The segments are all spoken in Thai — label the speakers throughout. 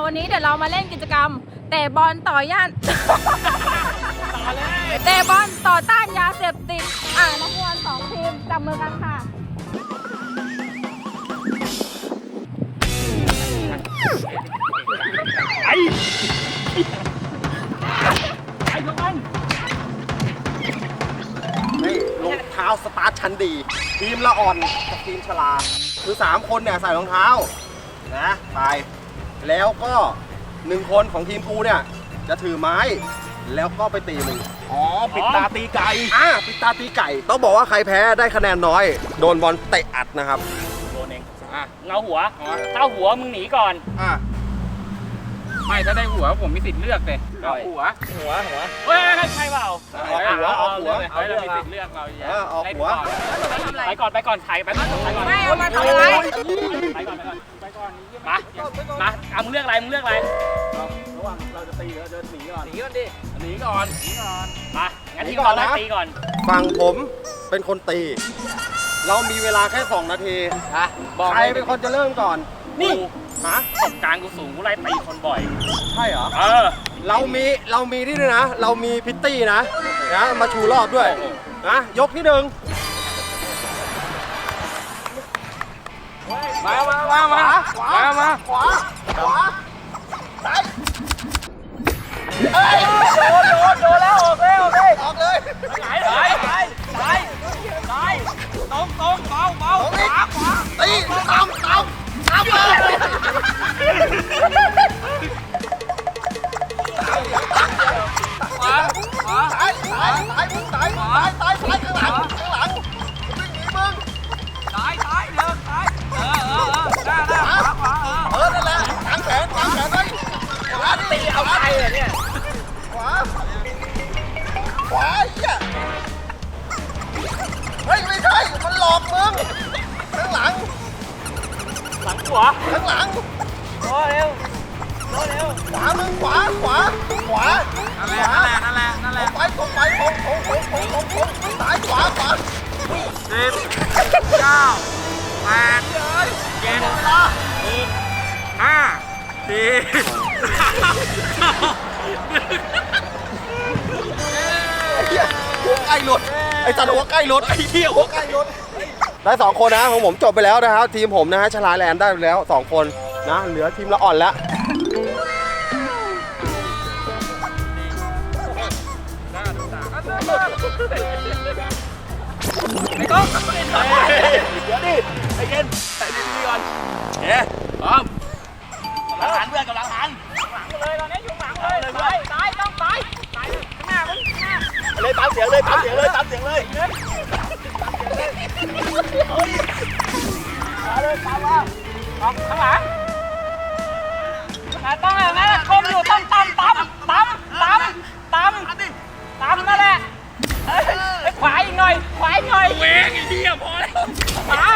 Speaker 1: วันนี้เดี๋ยวเรามาเล่นกิจกรรมเตะบอลต่อย่าน เตะบอลต่อต้านยาเสพติดนักบอล2 ทีมจับมือกันค่ะ
Speaker 2: ไอ้ทุกคน
Speaker 3: นี่รองเท้าสตาร์ทชั้นดี ทีมละอ่อนกับทีมชลาคือ3 คนเนี่ยใส่รองเท้านะไปแล้วก็1 คนของทีมกูเนี่ยจะถือไม้แล้วก็ไปตีมึง
Speaker 2: อ๋อปิดตาตีไก่
Speaker 3: ปิดตาตีไก่ต้องบอกว่าใครแพ้ได้คะแนนน้อยโดนบอลเตะอัดนะครับ
Speaker 2: โดนเองเงาหัวถ้าหัวมึงหนีก่อน
Speaker 4: ไม่ถ้าได้หัวผมมีสิทธิ์เลือกเลย
Speaker 2: หัวเฮ้ยใช่เปล่า
Speaker 3: เอาหัว
Speaker 2: เรามีสิทธิ์เลือกเรา
Speaker 3: เอาหัว
Speaker 2: ไปก่อนถ่ายไปก่อน
Speaker 1: ไม่เอามาทำอะไร
Speaker 2: ไปก่อนมามึงเลือกอะไร
Speaker 3: ระหว่างเราจะตีหรือจะหนีก่อน
Speaker 2: หนีก่อนมางั้นทีก่อนนะตีก่อน
Speaker 3: ฝั่งผมเป็นคนตีเรามีเวลาแค่2 นาทีใครเป็นคนจะเริ่มก่อน
Speaker 2: นี่ตบกลางกูสูงกูไล่ตีคนบ่อย
Speaker 3: ใช่เหรอเรามีที่ด้วยนะเรามีพิตตี้นะมาชูรอบด้วยนะยกที่ 1มาขวาซ้ายโดนแล้วออกเลย
Speaker 2: ไหนตรงเบาขวา
Speaker 3: ตีตามเลยขวาซ้ายข้างหลังวิ่งหนีมึงซ้ายเดินซ้ายหน้านั่นแหละวางแขนไว้ขวาตีเอาใจเลยเนี่ยขวาเหี้ยเฮ้ยไม่ใช่มันหลอกมึงข้างหลัง
Speaker 2: ขวา
Speaker 3: ข้างหลัง
Speaker 2: โอ้เร็ว
Speaker 3: ขวามึงขวา
Speaker 4: นั่นแหละ
Speaker 3: ไปตรงซ้ายขวา
Speaker 4: 10 9 8 7 6 5 4 3 2 1
Speaker 3: หัวใกล้หลุดไอ้จัดหัวใกล้หลุดไอ้เหี้ยหัวใกล้หลุดได้2 คนนะของผมจบไปแล้วนะครับทีมผมนะฮะชลาแลนด์ได้ไปแล้ว2 คนนะเหลือทีมละอ่อนแล้ว
Speaker 2: ไม่ต้องเดี๋ยวดิไอ้เกนใส่ดีๆก่อนพร้อมกำลังหันเพื่อนกำลังหันหลังเลยตอนนี้อยู่หลังเลยซ้ายต้องซ้ายข้างหน้ามึงเลยตามเสียงเลยข้างหลังต้องอย่างนั้นคมอยู่ตั้มนั่นแหละขวาอีกหน่อยเวงไอ้เหี้ยพอแล้วขวา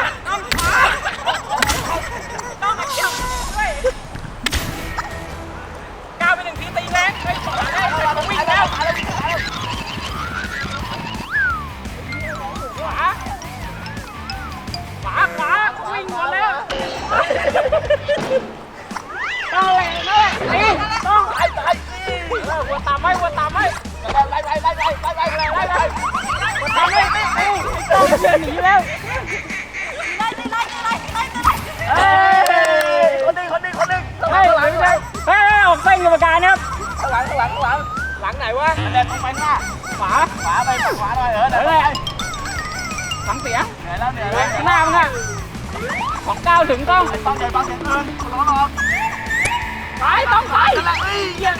Speaker 2: ต้องเกี่ยวด้วยก้าวไป1 ทีตีแรงไปขวาได้ต้องวิ่งแล้วขวาวิ่งหมดแล้วนั่นแหละต้องไอ้หัวตามไว้ไล่ทำให้ต้องหนีแล้วคนหนึ่งให้ออกเส้นกรรมการครับข้างหลังไหนวะเดินตรงไปหน้าขวาไปขวาหน่อยฟังเสียงเหนื่อยแล้วข้างหน้ามึงอะของก้าวถึงต้องเดินฟังเสียงร้องต้องไปเยี่ยม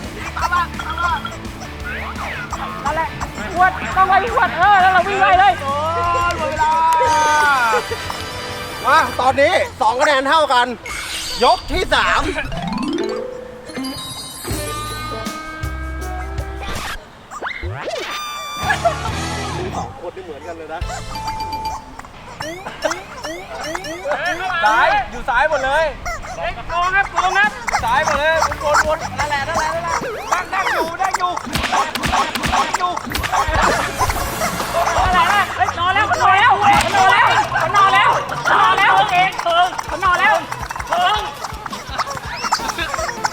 Speaker 2: นั่นแหละขวดต้องไปขวดแล้วเราวิ่งไล่เลยหมดเวลา
Speaker 3: มาตอนนี้2 คะแนนเท่ากันยกที่ 3คนที่เหมือนกันเลยนะ
Speaker 2: ซ้ายอยู่ซ้ายหมดเลยโกงครับซ้ายหมดเลยวนนั่นแหละนั่งอยู่อะไรนะนอนแล้วเองนอนแล้ว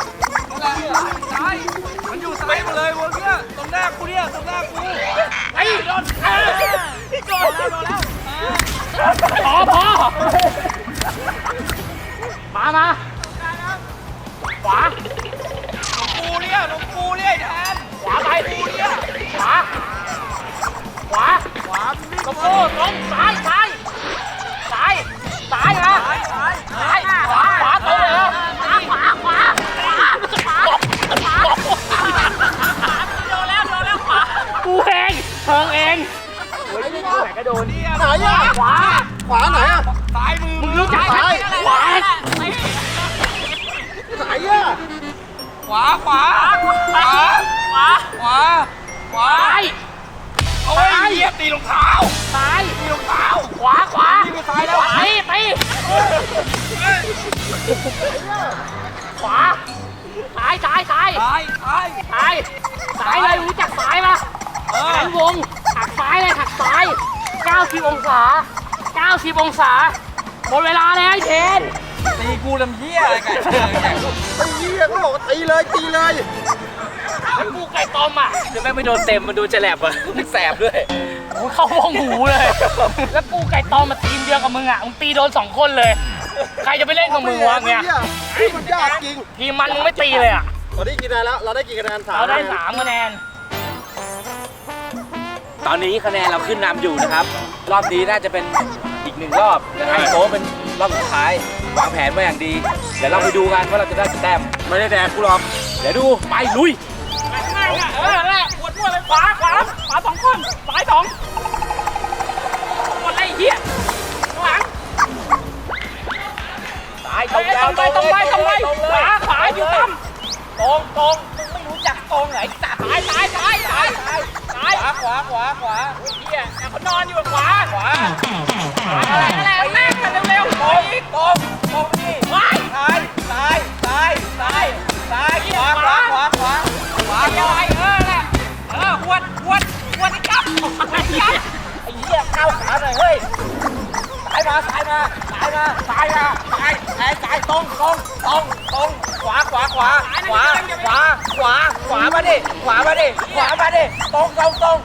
Speaker 2: มา ขวา
Speaker 4: หลวงปู่เนี่ยหลวงปู่เนี่ยแทน
Speaker 2: ขวาไปขวา ขวา
Speaker 3: ขวา
Speaker 2: ตรงตรงซ้ายนะซ้ายขวาตรงเลยขวาโดนแล้วขวากูเองเพิงเองโอ้ยนี่ไหนก็โดน
Speaker 3: ไหนอ่ะ
Speaker 2: ขวา
Speaker 3: ขวาไหนอ่ะ
Speaker 4: ซ้ายมือ
Speaker 2: มึงรู้จักไหมขวา
Speaker 3: ไหนอ่ะ
Speaker 4: ขวาขวาโอ้ยเหยียบตีรองเท้า
Speaker 2: ซ้าย
Speaker 4: ตีรองเท้า
Speaker 2: ขวาตีขวาซ้ายเลยรู้จักซ้ายปะแขนวงหักซ้ายเลยหักซ้าย90 องศาหมดเวลาแล้วไอ้เทน
Speaker 4: ตีกูลำเหี้ยอะไรกัน
Speaker 3: ตีก็บอกว่าตีเลย
Speaker 2: แล้วกูไก่ต้มอ่ะ
Speaker 4: จะไม่โดนเต็มมันดูจะแหลบอ่ะแสบด้วย
Speaker 2: กูเข้าวงหูเลย แล้วกูไก่ต้มมาทีมเดียวกับมึงอ่ะมึงตีโดน2 คนเลย ใครจะไปเล่นกับมึงวะเนี่ย
Speaker 3: มันยากจริง
Speaker 2: ทีมมันมึงไม่ตีเลยอ่ะ
Speaker 3: เราได้กี่คะแนนแล้ว เราได้กี่คะแนน3
Speaker 2: เราได้3 คะแนน
Speaker 4: ตอนนี้คะแนนเราขึ้นนำอยู่นะครับ รอบนี้น่าจะเป็นอีก1 รอบและให้โต๊ะเป็นรอบสุดท้ายวางแผนมาอย่างดี เดี๋ยวเราไปดูกันว่าเราจะได้กี่แต้ม
Speaker 3: ไม่ได้แดกกูหรอก
Speaker 4: เดี๋ยวดูไปลุย
Speaker 2: ง่ายอ่ะแหละปวดมั่วเลยขวา2 คนซ้าย2หมดไรเหี้ยข้างหลัง
Speaker 4: ซ้าย
Speaker 2: ตรงไปขวาอยู่ต่ำตรงมึงไม่รู้จักตรงไหนซ้ายขวาเหี้ยเขานอนอยู่ขวาอะไรแม่กันเร็วๆตรงนี่ซ้ายขวาอะไรแหละหวดไอ้จับไอ้เหี้ยก้าวขาหน่อยเฮ้ยซ้ายมาตรงขวามาดิตรงมาตรง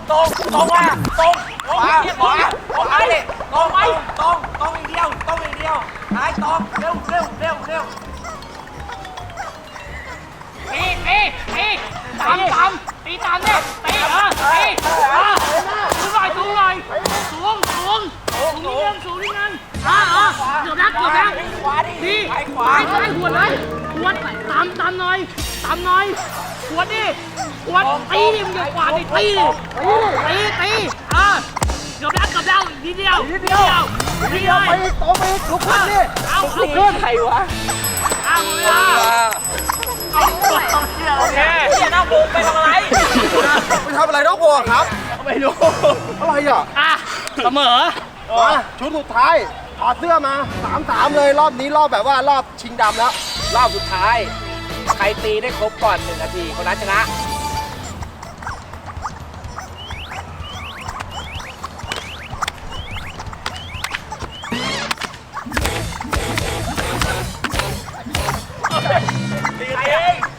Speaker 2: อีกเดียวซ้ายตรงเร็วตีตามเนี่ยตีสูงหน่อยสูงนิดนึงเกือบแล้วดีซ้ายหัวเลยหัวตามหน่อยหัวดิตีดิมึงอย่าขวาดิตีเกือบแล้วนิดเดียวไปตรงไปลุกขึ้นดิลุกขึ้นใครวะเวลาโอเคน้าบุกไปทำอะไร
Speaker 3: ไปทำอะไรน้องบัวครับ
Speaker 2: ไม่รู้
Speaker 3: อะไรอ่ะ
Speaker 2: เสมอ
Speaker 3: มาชุดสุดท้ายถอดเสื้อมา 3-3 เลยรอบนี้รอบแบบว่ารอบชิงดำแล้ว
Speaker 4: รอบสุดท้าย ใครตีได้ครบก่อน1 นาทีคนนั้นชนะ
Speaker 2: ตีเอง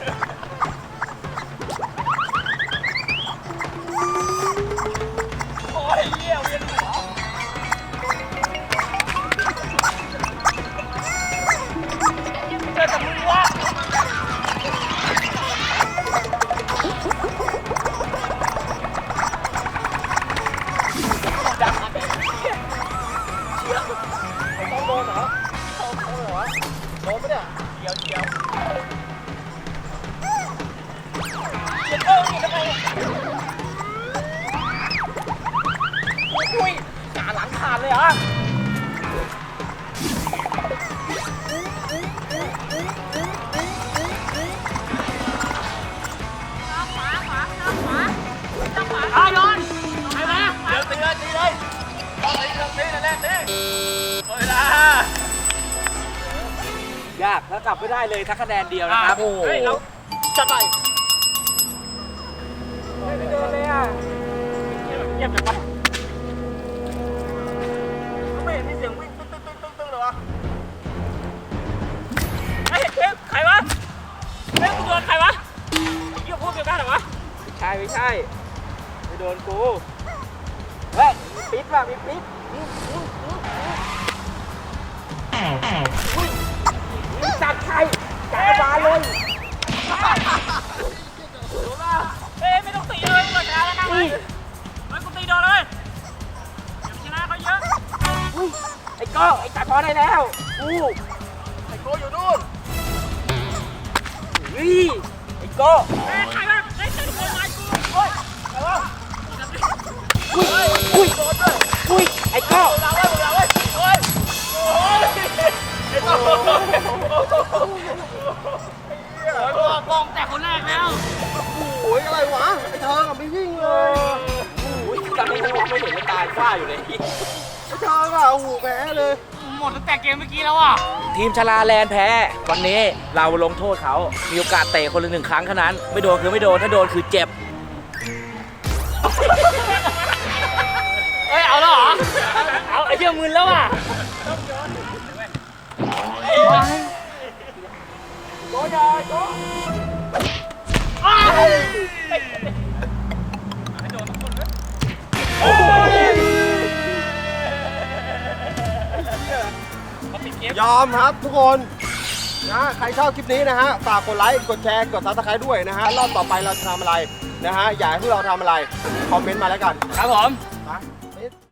Speaker 2: โอ้ยเหี้ยเวียนหัวเจอแต่มึงวะ
Speaker 3: ต้องโดนเหรอโดนปะเนี่ย
Speaker 2: เดี๋ยว อุ้ยหนาหลังขาดเลยเหรอโยนไปไหมเดี๋ยวตีเลยตีเวลาย
Speaker 4: ากแล้วกลับไม่ได้เลยถ้าคะแนนเดียวนะครับ
Speaker 2: เฮ้ยเราจัดไปไม่เดินเลยอ่ะเงียบจังวะไม่เห็นมีเสียงวิ่งตึ้งเลยวะไอ้เทปใครวะเทปกูโดนใครวะเกี่ยวพวกเดียวกันเหรอวะ
Speaker 4: ไม่ใช่ไม่โดนกูเฮ้ยมีปิ๊ดว่ะมีปิ๊ด
Speaker 2: อได้แล้ว
Speaker 3: ไอ้โกอยู่นู่น
Speaker 2: เฮ้ยไอ้โก้อุ้ยไอ้โก้
Speaker 4: มองแต่คนแรกแล้ว
Speaker 3: โอ้ยอะไรวะ ไอ้เธอกับไม่วิ่งเลย
Speaker 4: ตอนนี้ผมไม่เห็นเลยตายฝ้าอยู่เลย
Speaker 3: ไอ้เธออะโอ้โหแพ้เลย
Speaker 4: หมดตั้งแต่เกมเมื่อกี้แล้วอ่ะ ทีมชลาแลนด์แพ้ วันนี้เราลงโทษเขา มีโอกาสเตะคนละ1 ครั้งเท่านั้น ไม่โดนคือไม่โดน ถ้าโดนคือเจ็บ เฮ้ย เอาแล้วเหรอ เอาไอ้เหี้ยมึนแล้วอ่ะ
Speaker 3: ยอมครับทุกคนนะใครชอบคลิปนี้นะฮะ ฝากกดไลค์ กดแชร์ กดซับสไครต์ด้วยนะฮะ รอบต่อไปเราจะทำอะไรนะฮะ อยากให้พวกเราทำอะไร คอมเมนต์มาแล้วกัน
Speaker 2: ครับผม
Speaker 3: นะ